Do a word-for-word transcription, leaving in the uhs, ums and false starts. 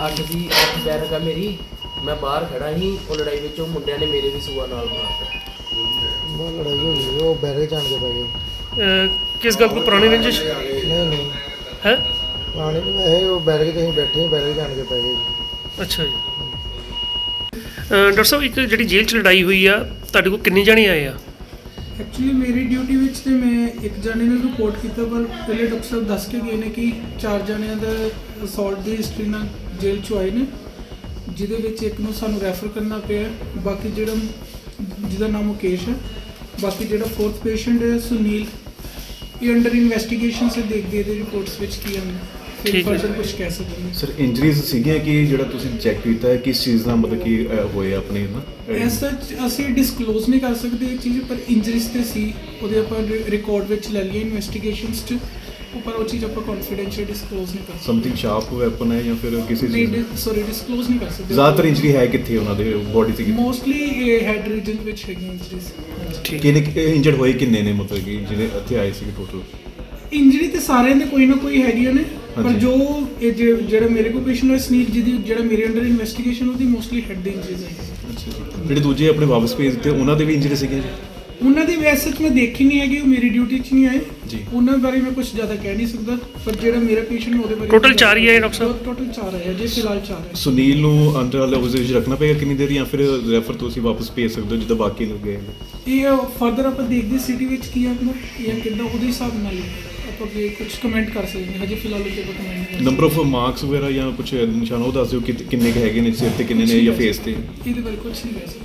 ਅੱਠ ਦੀ ਅੱਠ ਬੈਰਕ ਆ ਮੇਰੀ, ਮੈਂ ਬਾਹਰ ਖੜਾ ਸੀ, ਉਹ ਲੜਾਈ ਵਿੱਚ ਉਹ ਮੁੰਡਿਆਂ ਨੇ ਮੇਰੇ ਵੀ ਸੂਆ ਨਾਲ ਮਾਰਤਾ। ਬਹੁਤ ਲੜਾਈ ਹੋ ਗਈ, ਉਹ ਬੈਰੇ ਜਾਣ ਕੇ ਪੈ ਗਏ। ਅਹ ਕਿਸ ਗੱਲ ਕੋਈ ਪੁਰਾਣੀ ਰੰਜਿਸ਼ ਨਹੀਂ ਨਹੀਂ ਹੈ? ਪੁਰਾਣੇ ਨਹੀਂ ਵੈਸੇ, ਉਹ ਬੈਰੇ ਤੇ ਅਸੀਂ ਬੈਠੇ ਸੀ, ਬੈਰੇ ਜਾਣ ਕੇ ਪੈ ਗਏ ਜੀ। ਅੱਛਾ ਜੀ। ਅਹ ਡਾਕਟਰ ਸਾਹਿਬ, ਇੱਕ ਜਿਹੜੀ ਜੇਲ੍ਹ 'ਚ ਲੜਾਈ ਹੋਈ ਆ, ਤੁਹਾਡੇ ਕੋਲ ਕਿੰਨੇ ਜਣੇ ਆਏ ਆ? ਐਕਚੁਅਲੀ ਮੇਰੀ ਡਿਊਟੀ ਵਿੱਚ ਤੇ ਮੈਂ ਇੱਕ ਜਣੇ ਨੂੰ ਰਿਪੋਰਟ ਕੀਤਾ, ਪਰ ਪਹਿਲੇ ਡਾਕਟਰ ਸਾਹਿਬ ਦੱਸ ਕੇ ਗਏ ਨੇ ਕਿ ਚਾਰ ਜਣਿਆਂ ਦਾ ਅਸੌਲਟ ਦੀ ਹਿਸਟਰੀ ਨਾਲ ਜੇਲ੍ਹ 'ਚੋਂ ਆਏ ਨੇ, ਜਿਹਦੇ ਵਿੱਚ ਇੱਕ ਨੂੰ ਸਾਨੂੰ ਰੈਫਰ ਕਰਨਾ ਪਿਆ। ਬਾਕੀ ਜਿਹੜਾ ਜਿਹਦਾ ਨਾਮ ਮੁਕੇਸ਼ ਹੈ, ਬਾਕੀ ਜਿਹੜਾ ਫੋਰਥ ਪੇਸ਼ੈਂਟ ਹੈ ਸੁਨੀਲ, ਇਹ ਅੰਡਰ ਇਨਵੈਸਟੀਗੇਸ਼ਨ ਸੇ ਦੇਖਦੇ ਇਹਦੇ ਰਿਪੋਰਟਸ ਵਿੱਚ ਕੀ ਆਉਂਦਾ, ਫਿਰ ਠੀਕ ਹੈ। ਫਰਦਰ ਕੁਝ ਕਹਿ ਸਕਦੇ ਹਾਂ। ਸਰ ਇੰਜਰੀਜ਼ ਸੀਗੀਆਂ ਕਿ ਜਿਹੜਾ ਤੁਸੀਂ ਚੈੱਕ ਕੀਤਾ ਹੈ ਕਿਸ ਚੀਜ਼ ਨਾਲ ਮਤਲਬ ਕਿ ਅਹ, ਹੋਏ ਆਪਣੇ ਨਾ ਐਸ ਸੱਚ ਅਸੀਂ ਡਿਸਕਲੋਜ਼ ਨਹੀਂ ਕਰ ਸਕਦੇ ਇਹ ਚੀਜ਼, ਪਰ ਇੰਜਰੀਜ਼ ਤੇ ਸੀ, ਉਹਦੇ ਆਪਾਂ ਰਿਕਾਰਡ ਵਿੱਚ ਲੈ ਲਈਏ ਇਨਵੈਸਟੀਗੇਸ਼ਨਸ 'ਚ, ਪਰ ਉਹ ਚੀਜ਼ ਆਪਾਂ ਕੌਨਫੀਡੈਂਸ਼ੀਅਲ ਡਿਸਕਲੋਜ਼ ਨਹੀਂ ਕਰ ਸਕਦੇ। ਸਮਥਿੰਗ ਸ਼ਾਰਪ ਵੈਪਨ ਹੈ ਜਾਂ ਫਿਰ ਕਿਸੇ ਚੀਜ਼ ਨਹੀਂ, ਸੌਰੀ ਡਿਸਕਲੋਜ਼ ਨਹੀਂ ਕਰ ਸਕਦੇ। ਜ਼ਿਆਦਾਤਰ ਇੰਜਰੀ ਹੈ ਕਿੱਥੇ ਉਹਨਾਂ ਦੇ ਬੋਡੀ ਤੇ? ਮੋਸਟਲੀ ਇਹ ਹੈਡ ਰੀਜਨ ਵਿੱਚ ਹੈਗੀਆਂ ਇੰਜਰੀਜ਼। ਠੀਕ। ਕਿੰਨੇ ਇੰਜਰਡ ਹੋਏ ਕਿੰਨੇ ਨੇ ਮਤਲਬ ਕਿ ਜਿਹੜੇ ਇੱਥੇ ਆਏ ਸੀ ਟੋਟਲ? ਇੰਜਰੀ ਤੇ ਸਾਰਿਆਂ ਦੇ ਕੋਈ ਨਾ ਕੋਈ ਹੈਗੀਆਂ ਨੇ, ਪਰ ਹਾਂਜੀ। ਜੋ ਇਹ ਜੇ- ਜਿਹੜਾ ਮੇਰੇ ਕੋਲ ਪੇਸ਼ੈਂਟ ਹੋਇਆ ਸੁਨੀਲ, ਜਿਹਦੀ ਜਿਹੜਾ ਮੇਰੇ ਅੰਡਰ ਇਨਵੈਸਟੀਗੇਸ਼ਨ, ਉਹਦੀ ਮੋਸਟਲੀ ਹੈਡ ਦੀ ਇੰਜਰੀਜ਼ ਹੈ। ਅੱਛਾ ਜੀ। ਜਿਹੜੇ ਦੂਜੇ ਆਪਣੇ ਵਾਪਸ ਭੇਜ ਦਿੱਤੇ ਉਹਨਾਂ ਦੇ ਵੀ ਇੰਜਰੀ ਸੀਗੇ ਜੀ? ਉਹਨਾਂ ਦੀ ਵੈਸੇ ਮੈਂ ਦੇਖੀ ਨਹੀਂ ਹੈਗੀ, ਉਹ ਮੇਰੀ ਡਿਊਟੀ 'ਚ ਨਹੀਂ ਆਏ ਜੀ। ਉਹਨਾਂ ਬਾਰੇ ਮੈਂ ਕੁਝ ਜ਼ਿਆਦਾ ਕਹਿ ਨਹੀਂ ਸਕਦਾ, ਪਰ ਜਿਹੜਾ ਮੇਰਾ ਪੇਸ਼ੈਂਟ ਉਹਦੇ ਬਾਰੇ Total ਚਾਰ ਹੀ ਆਏ ਡਾਕਟਰ ਸਾਹਿਬ? ਟੋਟਲ ਚਾਰ ਆਏ ਜੇ ਫਿਲਹਾਲ ਚਾਰ ਹੈ। ਸੁਨੀਲ ਨੂੰ ਅੰਡਰ ਆਬਜ਼ਰਵੇਸ਼ਨ ਰੱਖਣਾ ਪਏਗਾ ਕਿੰਨੀ ਦੇਰ, ਜਾਂ ਫਿਰ ਰੈਫਰ ਤੁਸੀਂ ਵਾਪਸ ਭੇਜ ਸਕਦੇ ਹੋ ਜਿੱਦਾਂ ਬਾਕੀ ਲੋਕ ਗਏ ਨੇ? ਇਹ ਫਰਦਰ ਆਪਾਂ ਦੇਖਦੇ ਸਿਟੀ ਵਿੱਚ ਕੀ ਆਉਂਦਾ ਜਾਂ ਕਿੱਦਾਂ, ਉਹਦੇ ਹਿਸਾਬ ਨਾਲ ਹੀ ਆਪਾਂ ਵੀ ਕੁਝ ਕਮੈਂਟ ਕਰ ਸਕਦੇ ਹਾਂ। ਹਜੇ ਫਿਲਹਾਲ ਉੱਤੇ ਆਪਾਂ ਕਮੈਂਟ ਨਹੀਂ ਕਰ ਨੰਬਰ ਆਫ ਮਾਰਕਸ ਵਗੈਰਾ ਜਾਂ ਕੁਝ ਨਿਸ਼ਾਨ ਉਹ ਦੱਸ ਦਿਓ ਕਿ ਕਿੰਨੇ ਕੁ ਹੈਗੇ ਨੇ ਸਿਰ ਤੇ, ਕਿੰਨੇ ਨੇ ਜਾਂ ਫੇਸ ਤੇ? ਸਕਦੇ। ਇਹਦੇ ਬਾਰੇ ਕੁਝ ਨਹੀਂ ਕਹਿ ਸਕਦੇ।